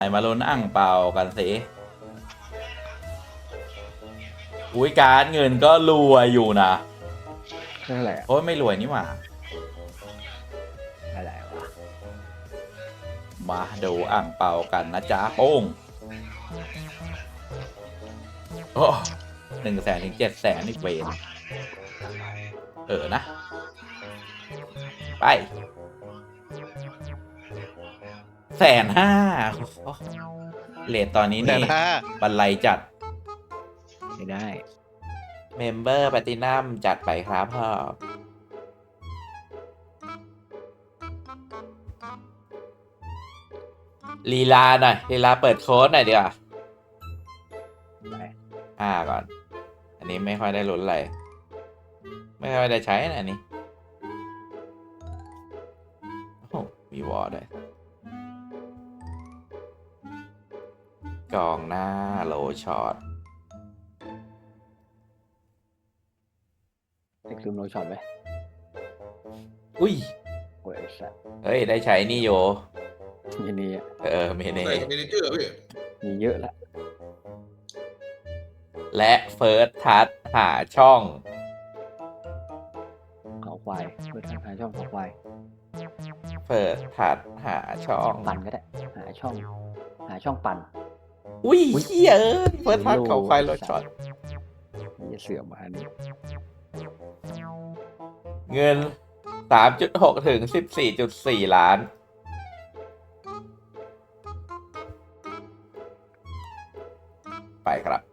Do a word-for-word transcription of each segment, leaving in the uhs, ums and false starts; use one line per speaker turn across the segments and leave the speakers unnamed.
มาลุ้นอ่างเปากันสิอุ้ยการเงินก็รวยอยู่นะ
เท่าไหร่
โอ้ยไม่รวยนี่หว่า
อะไรวะ
มาดูอ่างเปากันนะจ๊ะโป้งโอ้หนึ่งแสนถึงเจ็ดแสนอีกเวนเออนะไปแสนห้าเลทตอนนี้นี่บันไลจัด
ไม่ได้
เมมเบอร์แพลตินัมจัดไปครับพ่อลีลาหน่อยลีลาเปิดโค้ดหน่อยดีกว่าอ่าก่อนอันนี้ไม่ค่อยได้ลุ้นอะไรไม่ค่อยได้ใช้นะอันนี้โอ้มีวอร์ด้วยกองหน้าโลช็อต
เด็กลืมโนช็อตไหม
อุ้ย
โอ้ยสัตว์
เฮ้ยได้ใช้นี่โย
มีนี่อ่ะ
เออเมเน่
ใส่เมเนเจอร์พี่
มีเยอะละ
และเฟิร์สทัชหาช่อง
เขาควายเพื่อทางหาช่องเขาควาย
เฟิร์สทัชหาช่อง
ปั่นก็ได้หาช่อง หาช่องปั่น
อุ้ยเฮียเออเฟิร์สทัชเขาไฟโลช็อต
นี่เสื่อมมาอันนี้
เงิน สามจุดหก ถึง สิบสี่จุดสี่ ล้านไปครับ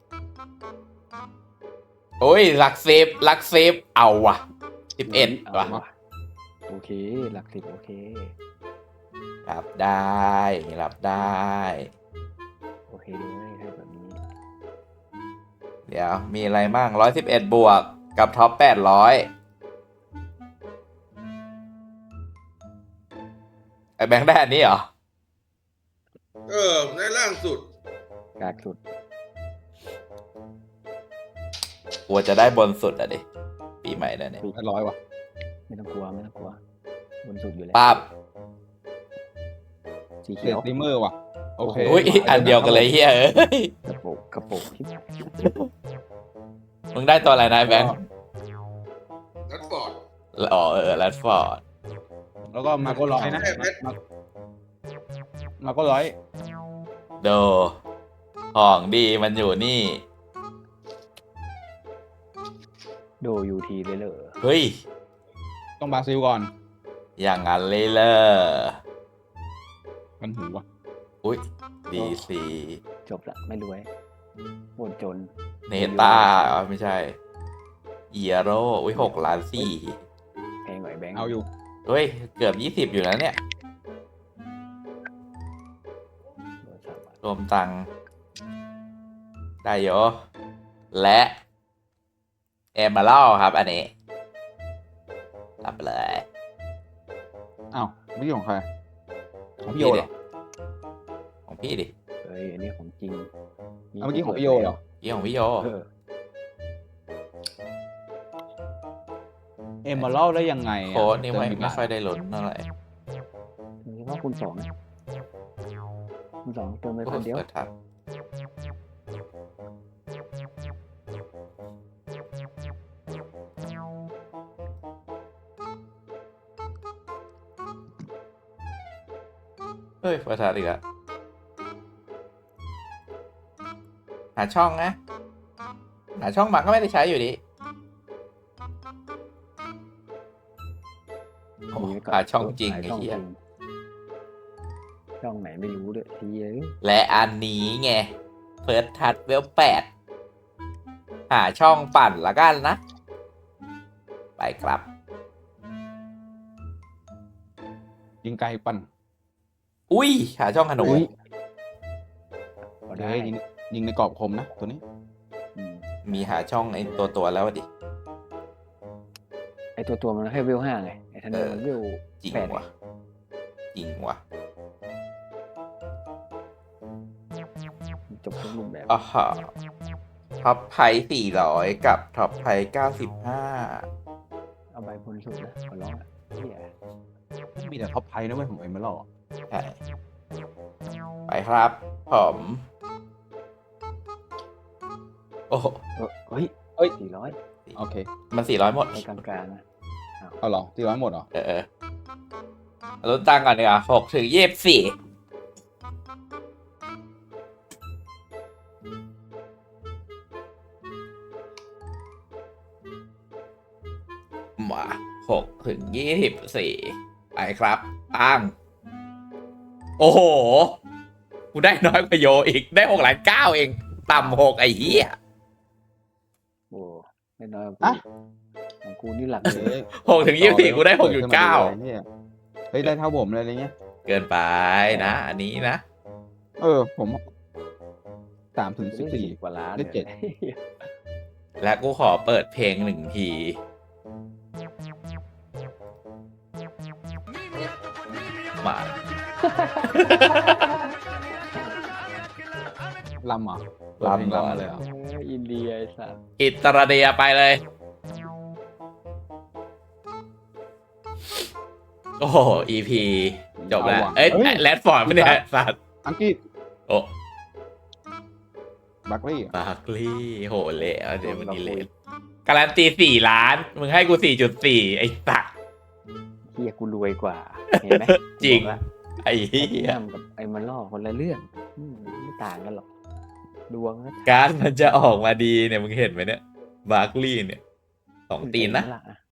โอ้ยหลักสิบหลักสิบเอาว่ะสิบเอ็ดว่ะ
โอเคหลักสิบโอเครับ
ได้รับได้
โอเคเลยให้แบบนี้
เดี๋ยวมีอะไรบ้างร้อยสิบเอ็ดบวกกับท็อปแปดร้อยไอแบงค์ได้อันนี้เหรอ
เออในล่างสุด
กากสุด
กลัวจะได้บนสุดอ่ะดิปีใหม่แล้วเนี่ย
แปดร้อยวะ
ไม่ต้องกลัวไม่ต้องกลัวบนสุดอยู่แล้ว
ปั๊บ
สี
เซ
เขียว
ตติเมอร์วะโอเค
อุ้ยอันเดียวกันเลยเฮียเอ้ย
กระโปงกระโปงที่
มึงได้ตัวอะไรนะแบงค์
นัดฟอร์ด
อ๋อเออแรดฟอร์ด
แล้วก็มาโก้ร้อยนะ
แค่เพชร
มามาโก้ร้อย
โดของดีมันอยู่นี่
โดยูทีเลยเหรอ
เฮ้ย
ต้องบราซิลก่อน
อย่างนั้นเลยเลอ
กันหูวะ
อุ้ยดีซี
จบละไม่รวยปวดจน
เนต้าไม่ใช่เอียโร่อุ้ยหกล้านสี่
แพงหน่อยแบงค์
เอาอยู่
เฮ้ย เกือบยี่สิบอยู่แล้วเนี่ย รวมตังค์ได้เยอะและเอมเมอรัลครับอันนี้ รับไปเลย
อ้าวไม่ใช่ของใครของพี่โยเหรอ
ของพี่ดิ
เฮ้ยอันนี้ของจริง
เอาเมื่อกี้ของพี่โยเหรอ
ยี่ของพี่โย
เออ
เอ็มมาเล่าได้ยังไงอะ
โค้ดนี่ไม่
เติ
ไม่ค่อยได้ลุ้นเท่าไหร่
ถึงว่าคุณสองนะคุณสองเติมไป
โอ้
พันเดียว
เปิดทับเฮ้ยเปิดทับอีกอะหาช่องนะ หาช่องบังก็ไม่ได้ใช้อยู่ดีโอ้หาช่องจริงไอ้เหี้ย
ช่องไหนไม่รู้ด้วยทีเอ้ย
และอันนี้ไงเฟิร์สทัชเวลแปดหาช่องปั่นละกันนะ ไปครับ
ยิงไกลปั่น
อุ้ยหาช่องขนม
พอ
เดี๋ยว
ได้
ยิงยิงในกรอบคมนะตัวนี้
อืม
มีหาช่องไอ้ตัวตัวๆแล้วดิ
ไอตัวตัวมันแค่เวลห้าไงไอทันเดอร์มันเวล
จริง
แปด
ว่ะจริงว่ะ
จบทุกรูปแบบ
อ๋อฮะท็อปไพ่สี่ร้อยกับท็อปไพ่เก้าสิบห้า
เอาใบบนสุดนะขอร้องอ่ะเฮีย
มีแต่ท็อปไพ่นะเว้ยของเอ็มมาเล่า
ใช่ไปครับ ผม โอ้โห
เออเฮ้ย
เอ้ย
สี่ร้อย
โอเค
มันสี่ร้อยหมด
ไปกลางๆนะ
เอาเหรอตีร้อยหมดเหรอ
เออเออลดตังค์ก่อนดีกว่าหกถึงยี่สิบสี่มาหกถึงยี่สิบสี่ไปครับตั้งโอ้โห กูได้น้อยกว่าโยอีก ได้หกล้านเก้าเอง ต่ำหกไอ้เหี้ย
โอ้ไม่น้อยกว่า
อะ
กูของกูนี่หลักเลย
เฮ้ย
หกถึงยี่สิบสี่กูได้หกจุดเก้า
เนี่ยเฮ้ยได้เท่าผมเลยอะไรเงี้ย
เกินไปนะ อันนี้นะ
เออ ผมสามถึงสิบสี่
กว่าล้าน
ได้เจ็ด
นี่ย
และกูขอเปิดเพลงหนึ่งที มา
ลำเหรอ
ลำก่อน
ลำเลยเหรอ
เอออินเดียไอ้สัส
อิตราเดียไปเลย โอ้โห อี พี จบแล้ว
เอาว่ะ
เอ้ย
เฮ้ย
แรดฟอร์ดไม่เนี่ยสัตว์
อังกฤษ
โอ้
บัคลี่
บาร์คลีย์โหเละเดี๋ยวมันดีเลยการันตีสี่ล้าน มึงให้กูสี่จุดสี่ไอ้สัตว์
เฮียกูรวยกว่า เห็นไหม
จริง
บอกละ
ไอ้เหี้ย
ทำกับไอ้มันล่อคนละเรื่องอืมไม่ต่างกันหรอก ดวงก็
การดมันจะออกมาดีเนี่ย มึงเห็นไหมเนี่ย บาร์คลีย์เนี่ย สองตีนนะ
เห็ไหมล่